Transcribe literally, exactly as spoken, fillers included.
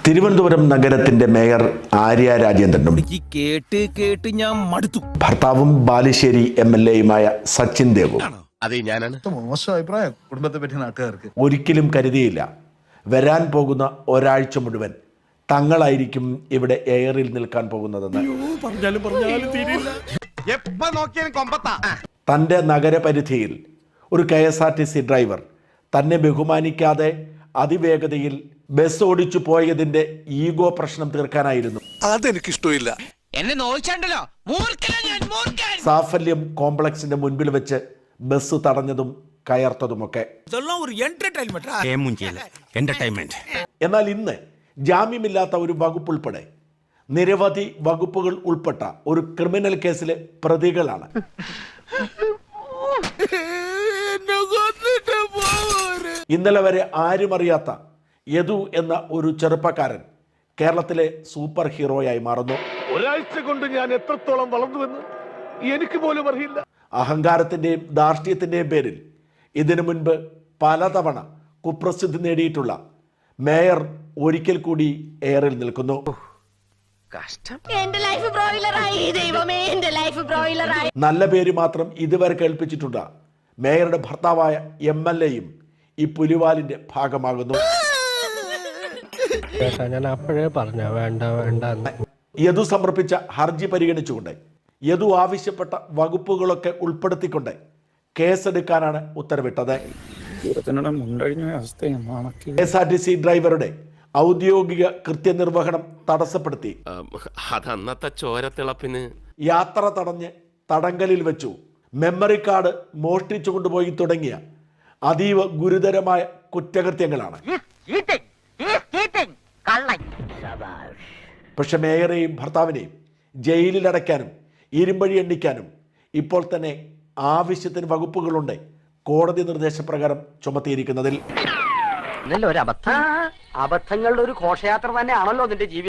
തിരുവനന്തപുരം നഗരത്തിന്റെ മേയർ ആര്യ രാജേന്ദ്രനും കേട്ട് കേട്ട് ഞാൻ മടുത്തു. ഭർത്താവും ബാലുശ്ശേരി എം എൽ എയുമായ സച്ചിൻ ദേവും അതെ ഞാനാണ് മോശം അഭിപ്രായം കുടുംബത്തെ പറ്റി നാട്ടുകാർക്ക്. ഒരിക്കലും കരുതിയില്ല വരാൻ പോകുന്ന ഒരാഴ്ച മുഴുവൻ തങ്ങളായിരിക്കും ഇവിടെ എയറിൽ നിൽക്കാൻ പോകുന്നതെന്ന്. തൻ്റെ നഗരപരിധിയിൽ ഒരു K S R T C driver തന്നെ ബഹുമാനിക്കാതെ അതിവേഗതയിൽ ബസ് ഓടിച്ചു പോയതിന്റെ ഈഗോ പ്രശ്നം തീർക്കാനായിരുന്നു അതെനിക്കിഷ്ടമില്ല. സാഫല്യം കോംപ്ലക്സിന്റെ മുൻപിൽ വെച്ച് ബസ് തടഞ്ഞതും കയർത്തതുമൊക്കെ. എന്നാൽ ഇന്ന് ജാമ്യമില്ലാത്ത ഒരു വകുപ്പ് ഉൾപ്പെടെ നിരവധി വകുപ്പുകൾ ഉൾപ്പെട്ട ഒരു ക്രിമിനൽ കേസിലെ പ്രതികളാണ്. ഇന്നലെ വരെ ആരും അറിയാത്ത യദു എന്ന ഒരു ചെറുപ്പക്കാരൻ കേരളത്തിലെ സൂപ്പർ ഹീറോയായി മാറുന്നു. ഒരാഴ്ച കൊണ്ട് ഞാൻ എത്രത്തോളം വളർന്നുവെന്ന് എനിക്ക് പോലും അറിയില്ല. അഹങ്കാരത്തിന്റെയും ധാർഷ്ട്യത്തിന്റെയും പേരിൽ ഇതിനു മുൻപ് പലതവണ കുപ്രസിദ്ധി നേടിയിട്ടുള്ള മേയർ ഒരിക്കൽ കൂടി എയറിൽ നിൽക്കുന്നു. നല്ല പേര് മാത്രം ഇതുവരെ കേൾപ്പിച്ചിട്ടുണ്ട് മേയറുടെ ഭർത്താവായ എം എൽ എയും ഈ പുലിവാലിന്റെ ഭാഗമാകുന്നു. യദു സമർപ്പിച്ച ഹർജി പരിഗണിച്ചുകൊണ്ട് യദു ആവശ്യപ്പെട്ട വകുപ്പുകളൊക്കെ ഉൾപ്പെടുത്തിക്കൊണ്ട് കേസെടുക്കാനാണ് ഉത്തരവിട്ടത്. K S R T C ഡ്രൈവറുടെ ഔദ്യോഗിക കൃത്യനിർവഹണം തടസ്സപ്പെടുത്തി അതന്നത്തെ ചോരത്തിളപ്പിന് യാത്ര തടഞ്ഞ് തടങ്കലിൽ വെച്ചു, മെമ്മറി കാർഡ് മോഷ്ടിച്ചു കൊണ്ടുപോയി തുടങ്ങിയ അതീവ ഗുരുതരമായ കുറ്റകൃത്യങ്ങളാണ്. പക്ഷെ മേയറെയും ഭർത്താവിനെയും ജയിലിലടയ്ക്കാനും ഇരുമ്പഴി എണ്ണിക്കാനും ഇപ്പോൾ തന്നെ ആവശ്യത്തിന് വകുപ്പുകളുണ്ട് കോടതി നിർദ്ദേശപ്രകാരം ചുമത്തിയിരിക്കുന്നതിൽ. അബദ്ധങ്ങളുടെ ഒരു ഘോഷയാത്ര തന്നെയാണല്ലോ നിന്റെ ജീവിതം.